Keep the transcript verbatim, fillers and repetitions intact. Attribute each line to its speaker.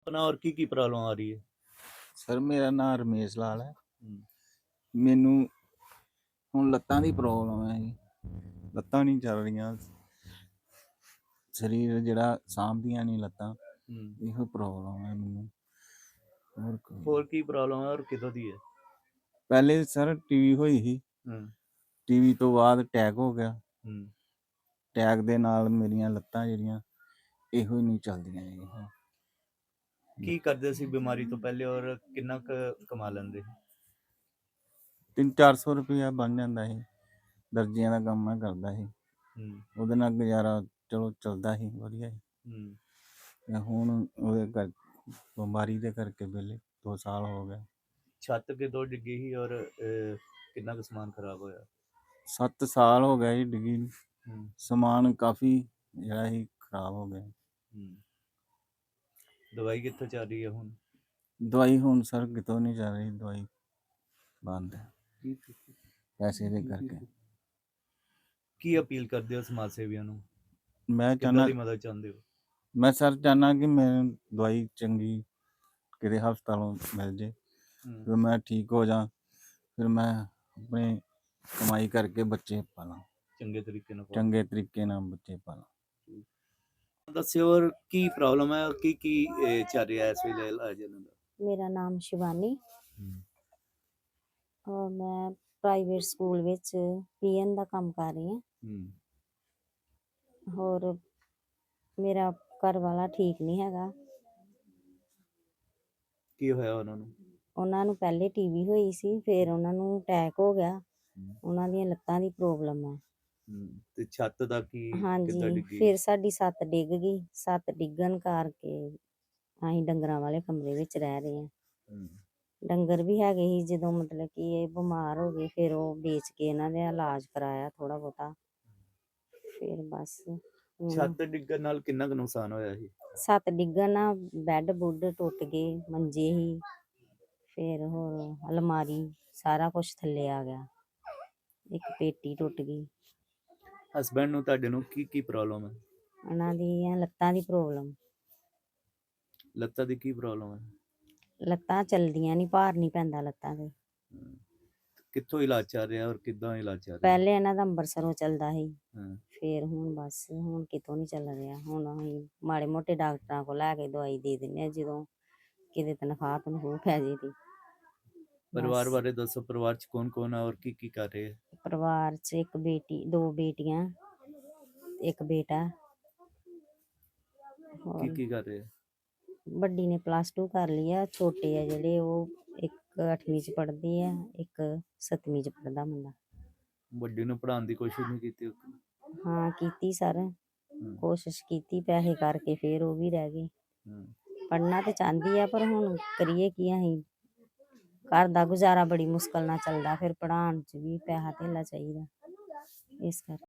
Speaker 1: अपना और की की प्रॉब्लम आ रही है?
Speaker 2: ਸਰ ਮੇਰਾ ਨਾਮ ਰਮੇਸ਼ ਲਾਲ ਹੈ।
Speaker 1: हुँ,
Speaker 2: ਮੈਨੂੰ ਹੁਣ ਲੱਤਾਂ ਦੀ ਪ੍ਰੋਬਲਮ ਹੈ ਜੀ। ਲੱਤਾਂ ਨਹੀਂ ਚੱਲ ਰਹੀਆਂ। ਸਰੀਰ ਜਿਹੜਾ ਸਾਂਭਦੀਆਂ ਨਹੀਂ ਲੱਤਾਂ।
Speaker 1: हुँ।
Speaker 2: ਇਹੋ ਪ੍ਰੋਬਲਮ ਹੈ ਮੈਨੂੰ। ਹੋਰ ਕੋਈ ਨਹੀਂ।
Speaker 1: ਹੋਰ ਕੀ ਪ੍ਰੋਬਲਮ ਹੈ ਔਰ ਕਿੱਦੋਂ ਦੀ ਹੈ?
Speaker 2: ਪਹਿਲੇ ਸਰ ਟੀਵੀ ਹੋਈ ਸੀ।
Speaker 1: हुँ,
Speaker 2: ਟੀਵੀ ਤੋਂ ਬਾਅਦ ਅਟੈਕ ਹੋ ਗਿਆ।
Speaker 1: हुँ।
Speaker 2: ਅਟੈਕ ਦੇ ਨਾਲ ਮੇਰੀਆਂ ਲੱਤਾਂ ਜਿਹੜੀਆਂ ਇਹੋ ਹੀ ਨਹੀਂ ਚੱਲਦੀਆਂ ਜੀ ਹੁਣ।
Speaker 1: ਕੀ ਕਰਦੇ ਸੀ ਬਿਮਾਰੀ ਤੋਂ ਪਹਿਲੇ ਔਰ ਕਿੰਨਾ ਕੁ ਕਮਾ ਲੈਂਦੇ?
Speaker 2: ਤਿੰਨ ਚਾਰ ਸੌ ਰੁਪਇਆ ਬਣ ਜਾਂਦਾ ਸੀ। ਦਰਜੀਆਂ ਦਾ ਕੰਮ ਮੈਂ ਕਰਦਾ ਸੀ।
Speaker 1: ਹੂੰ,
Speaker 2: ਉਹਦੇ ਨਾਲ ਗੁਜ਼ਾਰਾ ਚਲੋ ਚੱਲਦਾ ਸੀ ਵਧੀਆ ਸੀ।
Speaker 1: ਹੂੰ।
Speaker 2: ਤੇ ਹੁਣ ਉਹਦੇ ਕਰ ਬਿਮਾਰੀ ਦੇ ਕਰਕੇ ਵਿਹਲੇ ਦੋ ਸਾਲ ਹੋ ਗਏ।
Speaker 1: ਛੱਤ ਕਿਦੋਂ ਡਿੱਗੀ ਸੀ ਔਰ ਅ, ਕਿੰਨਾ ਕੁ ਸਮਾਨ ਖਰਾਬ ਹੋਇਆ?
Speaker 2: ਸੱਤ ਸਾਲ ਹੋ ਗਏ ਜੀ ਡਿੱਗੀ ਨੂੰ।
Speaker 1: ਹੂੰ,
Speaker 2: ਸਮਾਨ ਕਾਫੀ ਜਿਹੜਾ ਸੀ ਖਰਾਬ ਹੋ ਗਿਆ।
Speaker 1: ਹੂੰ। ਦਵਾਈ ਕਿੱਥੋਂ ਚੱਲ ਰਹੀ ਹੈ ਹੁਣ?
Speaker 2: ਦਵਾਈ ਹੁਣ ਸਰ ਕਿਤੋਂ ਨਹੀਂ ਚੱਲ ਰਹੀ। ਦਵਾਈ ਬੰਦ ਹੈ ਪੈਸੇ ਦੇ ਕਰਕੇ।
Speaker 1: ਕੀ ਅਪੀਲ ਕਰਦੇ ਹੋ ਸਮਾਜ ਸੇਵੀਆਂ ਨੂੰ?
Speaker 2: ਮੈਂ
Speaker 1: ਕਿੱਦਾਂ
Speaker 2: ਚਾਹੁੰਦਾ
Speaker 1: ਦੀ ਮਦਦ ਚਾਹੁੰਦੇ ਹੋ?
Speaker 2: ਮੈਂ ਸਰ ਚਾਹੁੰਦਾ ਕਿ ਮੈਨੂੰ ਦਵਾਈ ਚੰਗੀ ਕਿਤੇ ਹਸਪਤਾਲੋਂ ਮਿਲ ਜੇ।
Speaker 1: ਹੂੰ,
Speaker 2: ਫਿਰ ਮੈਂ ਠੀਕ ਹੋ ਜਾ। ਫਿਰ ਮੈਂ ਆਪਣੇ ਕਮਾਈ ਕਰਕੇ ਬੱਚੇ ਪਾਲਾਂ।
Speaker 1: ਚੰਗੇ ਤਰੀਕੇ ਨਾਲ ਪਾਲੋ।
Speaker 2: ਚੰਗੇ ਤਰੀਕੇ ਨਾਲ ਬੱਚੇ ਪਾਲਾਂ।
Speaker 1: ਦੱਸਿਓ ਔਰ ਕੀ ਪ੍ਰੋਬਲਮ ਹੈ ਔਰ ਕੀ ਕੀ ਅ, ਚੱਲ ਰਿਹਾ ਇਸ ਵੇਲੇ ਇਲਾਜ ਇਹਨਾਂ ਦਾ?
Speaker 3: ਮੇਰਾ ਨਾਮ ਸ਼ਿਵਾਨੀ
Speaker 1: ਹੂੰ,
Speaker 3: ਔਰ ਮੈਂ ਪ੍ਰਾਈਵੇਟ ਸਕੂਲ ਵਿੱਚ ਪੀਐਨ ਦਾ ਕੰਮ ਕਰ ਰਹੀ ਹਾਂ।
Speaker 1: ਹੂੰ,
Speaker 3: ਹੋਰ ਮੇਰਾ ਘਰ ਵਾਲਾ ਠੀਕ ਨਹੀਂ ਹੈਗਾ।
Speaker 1: ਕੀ ਹੋਇਆ ਉਹਨਾਂ ਨੂੰ?
Speaker 3: ਉਹਨਾਂ ਨੂੰ ਪਹਿਲੇ ਟੀਵੀ ਹੋਈ ਸੀ, ਫਿਰ ਉਹਨਾਂ ਨੂੰ ਅਟੈਕ ਹੋ ਗਿਆ।
Speaker 1: ਹੂੰ,
Speaker 3: ਉਹਨਾਂ ਦੀਆਂ ਲੱਤਾਂ ਦੀ ਪ੍ਰੋਬਲਮ ਹੈ।
Speaker 1: ਹੂੰ। ਤੇ ਛੱਤ ਦਾ ਕੀ ਕਿੱਦਾਂ
Speaker 3: ਹਾਂਜੀ,
Speaker 1: ਡਿੱਗੀ?
Speaker 3: ਫਿਰ ਸਾਡੀ ਛੱਤ ਡਿੱਗ ਗਈ। ਛੱਤ ਡਿੱਗਣ ਕਰਕੇ ਅਸੀਂ ਡੰਗਰਾਂ ਵਾਲੇ ਕਮਰੇ ਵਿੱਚ ਰਹਿ ਰਹੇ ਹਾਂ।
Speaker 1: ਹੂੰ,
Speaker 3: ਡੰਗਰ ਵੀ ਹੈਗੇ ਸੀ। ਜਦੋਂ ਮਤਲਬ ਕਿ ਇਹ ਬਿਮਾਰ ਹੋ ਗਏ, ਫਿਰ ਉਹ ਵੇਚ ਕੇ ਇਹਨਾਂ ਦਾ ਇਲਾਜ ਕਰਾਇਆ ਥੋੜ੍ਹਾ ਬਹੁਤਾ। ਫਿਰ ਬਸ ਹੁਣ
Speaker 1: ਛੱਤ ਡਿੱਗਣ ਨਾਲ ਕਿੰਨਾ ਕੁ ਨੁਕਸਾਨ ਹੋਇਆ ਸੀ?
Speaker 3: ਛੱਤ ਡਿੱਗਣ ਨਾਲ ਬੈੱਡ ਬੁੱਡ ਟੁੱਟ ਗਏ, ਮੰਜੇ ਸੀ, ਫਿਰ ਹੋਰ ਅਲਮਾਰੀ ਸਾਰਾ ਕੁਛ ਥੱਲੇ ਆ ਗਿਆ। ਇੱਕ ਪੇਟੀ ਟੁੱਟ ਗਈ।
Speaker 1: ਹਸਬੈਂਡ ਨੂੰ ਤੁਹਾਡੇ ਨੂੰ ਕੀ ਕੀ ਪ੍ਰੋਬਲਮ ਹੈ?
Speaker 3: ਉਹਨਾਂ ਦੀਆਂ ਲੱਤਾਂ ਦੀ ਪ੍ਰੋਬਲਮ।
Speaker 1: ਲੱਤਾਂ ਦੀ ਕੀ ਪ੍ਰੋਬਲਮ ਹੈ?
Speaker 3: ਲੱਤਾਂ ਚੱਲਦੀਆਂ ਨਹੀਂ, ਭਾਰ ਨਹੀਂ ਪੈਂਦਾ ਲੱਤਾਂ 'ਤੇ।
Speaker 1: ਹੂੰ। ਕਿੱਥੋਂ ਇਲਾਜ ਚੱਲ ਰਿਹਾ ਔਰ ਕਿੱਦਾਂ ਇਲਾਜ ਚੱਲ ਰਿਹਾ?
Speaker 3: ਪਹਿਲੇ ਇਹਨਾਂ ਦਾ ਅੰਬਰਸਰੋਂ ਚੱਲਦਾ ਸੀ,
Speaker 1: ਹਾਂ,
Speaker 3: ਫਿਰ ਹੁਣ ਬਸ ਹੁਣ ਕਿਤੋਂ ਨਹੀਂ ਚੱਲ ਰਿਹਾ। ਹੁਣ ਅਸੀਂ ਮਾੜੇ ਮੋਟੇ ਡਾਕਟਰਾਂ ਕੋਲ ਲੈ ਕੇ ਦਵਾਈ ਦੇ ਦਿੰਦੇ ਹਾਂ ਜਦੋਂ ਕਿਤੇ ਤਨਖਾਹ ਤਨਖੂਹ ਪੈ ਜੇ ਤੇ।
Speaker 1: ਪਰਿਵਾਰ
Speaker 3: ਬਸ
Speaker 1: ਬਾਰੇ ਦੱਸੋ, ਪਰਿਵਾਰ ਚ ਕੌਣ ਕੌਣ ਹੈ ਔਰ ਕੀ ਕੀ ਕਰ ਰਹੇ ਹੈ?
Speaker 3: ਪਰਿਵਾਰ 'ਚ ਇੱਕ ਬੇਟੀ, ਦੋ ਬੇਟੀਆਂ, ਇੱਕ ਬੇਟਾ।
Speaker 1: ਕੀ
Speaker 3: ਹੋਰ
Speaker 1: ਕੀ ਕਰ ਰਹੇ ਹੈ?
Speaker 3: ਵੱਡੀ ਨੇ ਪਲੱਸ ਟੂ ਕਰ ਲਈ ਆ, ਛੋਟੇ ਆ ਜਿਹੜੇ ਉਹ ਇੱਕ ਅੱਠਵੀਂ 'ਚ ਪੜ੍ਹਦੀ ਆ, ਇੱਕ ਸੱਤਵੀਂ 'ਚ ਪੜ੍ਹਦਾ ਮੁੰਡਾ।
Speaker 1: ਵੱਡੀ ਨੂੰ ਪੜ੍ਹਾਉਣ ਦੀ ਕੋਸ਼ਿਸ਼ ਨਹੀਂ ਕੀਤੀ?
Speaker 3: ਹਾਂ ਕੀਤੀ ਸਰ,
Speaker 1: ਹੂੰ,
Speaker 3: ਕੋਸ਼ਿਸ਼ ਕੀਤੀ, ਪੈਸੇ ਕਰਕੇ ਫਿਰ ਉਹ ਵੀ ਰਹਿ ਗਏ।
Speaker 1: ਹੂੰ।
Speaker 3: ਪੜ੍ਹਨਾ ਤੇ ਚਾਹੁੰਦੀ ਆ ਪਰ ਹੁਣ ਕਰੀਏ ਕੀ ਅਸੀਂ। ਘਰ ਦਾ ਗੁਜ਼ਾਰਾ ਬੜੀ ਮੁਸ਼ਕਲ ਨਾਲ ਚੱਲਦਾ, ਫਿਰ ਪੜ੍ਹਾਉਣ 'ਚ ਵੀ ਪੈਸਾ ਧੇਲਾ ਚਾਹੀਦਾ, ਇਸ ਕਰਕੇ।